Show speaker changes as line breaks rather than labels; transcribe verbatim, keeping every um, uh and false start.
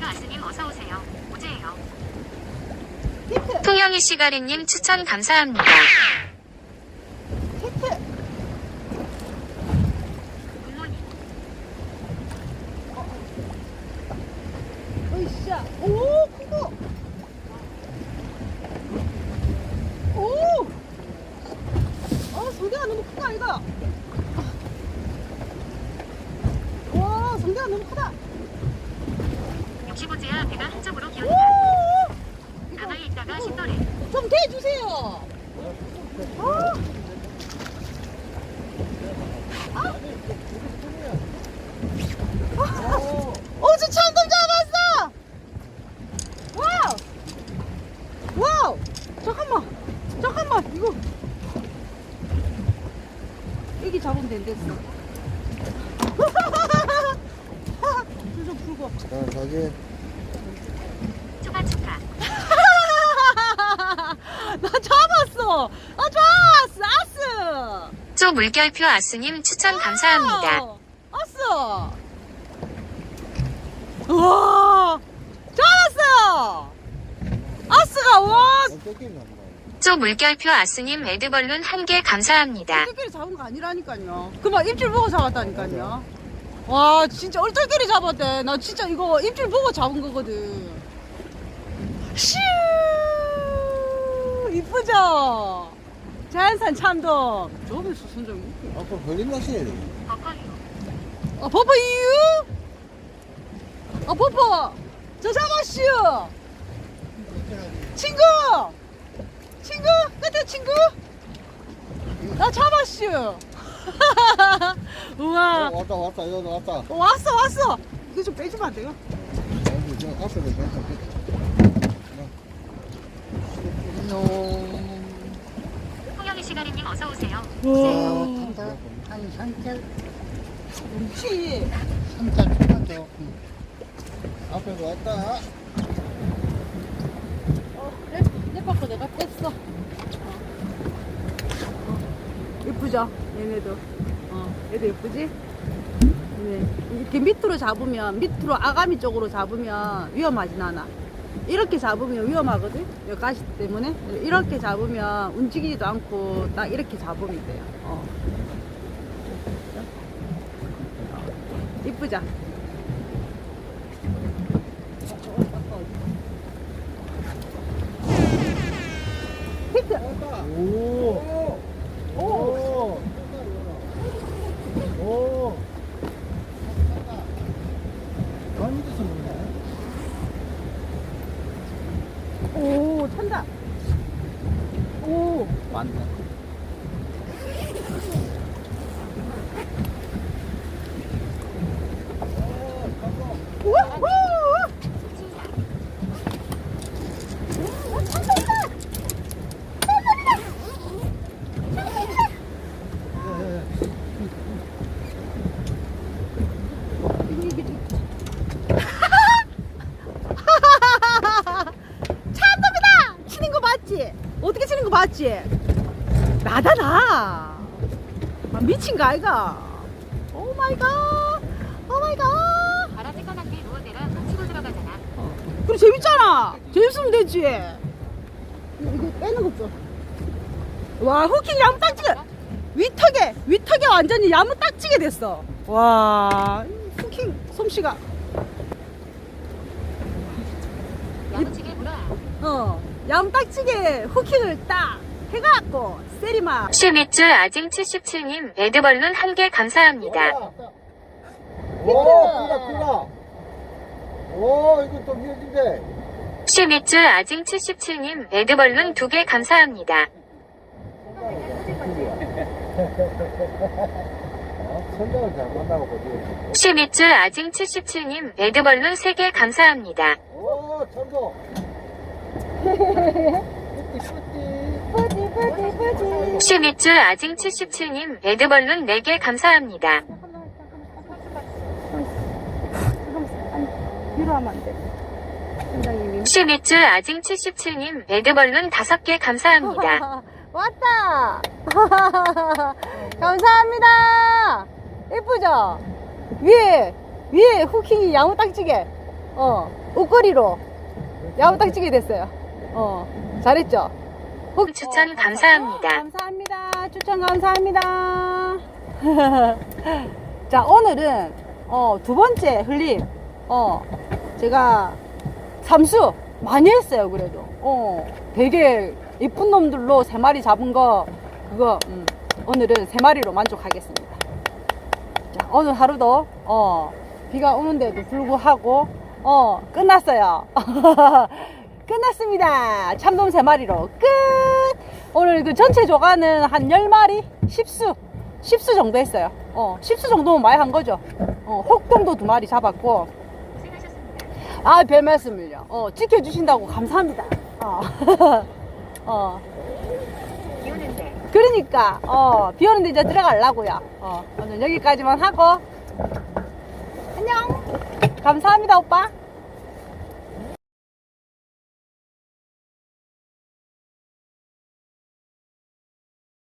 아스님 어서오세요. 오제예요.
히트!
통영이 시가리님 추천 감사합니다.
히트!
굿모닝.
으쌰! 오, 크고! 오! 아, 성대가 너무 크다, 이거! 와, 성대가 너무 크다!
육십오제야 배가 한쪽으로 기울다.
오!
가만히 있다가 신도래.
좀 대주세요! 아! 어, 저 참돔 잡았어! 와우! 와우! 잠깐만! 잠깐만! 이거! 여기 잡으면 된댔어. 좀 풀고.
자, 자기.
추가 추가.
나 잡았어! 아, 좋았어! 아스!
쪼 물결표 아스님 추천 감사합니다.
와우! 아스! 우와! 잡았어요! 아스가, 와!
뺏기는 거.
쪼 물결표 아스님 에드벌룬 한 개 감사합니다.
얼떨결에 잡은 거 아니라니까요. 그만 입질 보고 잡았다니까요. 와, 진짜 얼떨결에 잡았대. 나 진짜 이거 입질 보고 잡은 거거든. 슈! 이쁘죠? 자연산 참돔. 저기서 선정이.
아까 걸림 낚시해야 돼.
버커유.
아, 버퍼 이유? 아, 버퍼! 저 잡았슈! 친구! 친구? 끝에 친구? 나 잡았슈! 우와!
어, 왔다, 왔다, 여기 왔다.
어, 왔어, 왔어! 이거 좀 빼주면 안 돼요?
여기, 저 앞에도 괜찮겠다.
통영이 시가리님 어서오세요.
우와!
한 산책,
그렇지!
산책 해야죠. 앞에도 왔다.
어, 내, 내 바꿔 내가 뺐어. 어. 예쁘죠? 얘네도. 어, 얘도 예쁘지? 네. 이렇게 밑으로 잡으면, 밑으로 아가미 쪽으로 잡으면 위험하진 않아. 이렇게 잡으면 위험하거든? 여기 가시 때문에. 이렇게 잡으면 움직이지도 않고 딱 이렇게 잡으면 돼요. 어. 이쁘죠? 히트!
오! 오! 오! 오! 많이 드셨네.
오, 찬다. 오.
맞네.
우후! 참돔이다! 치는 거 맞지? 어떻게 치는 거 맞지? 나다 나. 아, 미친 거 아이가? 오 마이 갓. 오 마이 갓.
바람 새까맣게 누워대라 치고 들어가잖아.
그래 재밌잖아. 재밌으면 되지. 이거, 이거 빼는 거 없어. 와, 후킹 야무딱지게 위턱에 위턱에 완전히 야무딱지게 됐어. 와, 후킹 솜씨가.
야무지게 물어야.
어, 야무딱지게 후킹을 딱 해갖고 세리마.
쉐미줄 아징 칠십칠님 에드벌룬 한 개 감사합니다.
오, 크다, 크다. 오, 이거 좀 미어진데.
쉐미줄 아징 칠십칠님 에드벌룬 두 개 감사합니다.
선장을 잘 만나고 보지.
쉐미줄 아징 칠십칠님 에드벌룬 세 개 감사합니다.
오, 천도.
뿌디 뿌디 뿌디.
쉐미줄 아징 칠십칠님 에드벌룬 네 개 감사합니다.
뒤로 하면 안 돼. 선장님이.
쉐미줄 아징 칠십칠님 에드벌룬 다섯 개 감사합니다.
왔다. 감사합니다. 예쁘죠? 위에 위에 후킹이 야무딱지게. 어, 옷걸이로 야무딱지게 됐어요. 어, 잘했죠? 혹-
추천
어,
감사합니다.
감사합니다. 추천 감사합니다. 자, 오늘은 어, 두 번째 흘림. 어, 제가 삼수 많이 했어요. 그래도 어, 되게 이쁜 놈들로 세 마리 잡은 거 그거 음, 오늘은 세 마리로 만족하겠습니다. 자, 오늘 하루도 어, 비가 오는데도 불구하고 어, 끝났어요. 끝났습니다. 참돔 세 마리로 끝. 오늘 그 전체 조가는 한 열 마리, 십 수, 십 수 정도 했어요. 어, 십 수 정도면 많이 한 거죠. 어, 혹돔도 두 마리 잡았고. 아, 별 말씀을요. 어, 지켜주신다고 감사합니다. 어, 어,
비 오는데.
그러니까, 어, 비 오는데 이제 들어가려고요. 어, 오늘 여기까지만 하고. 안녕. 감사합니다, 오빠.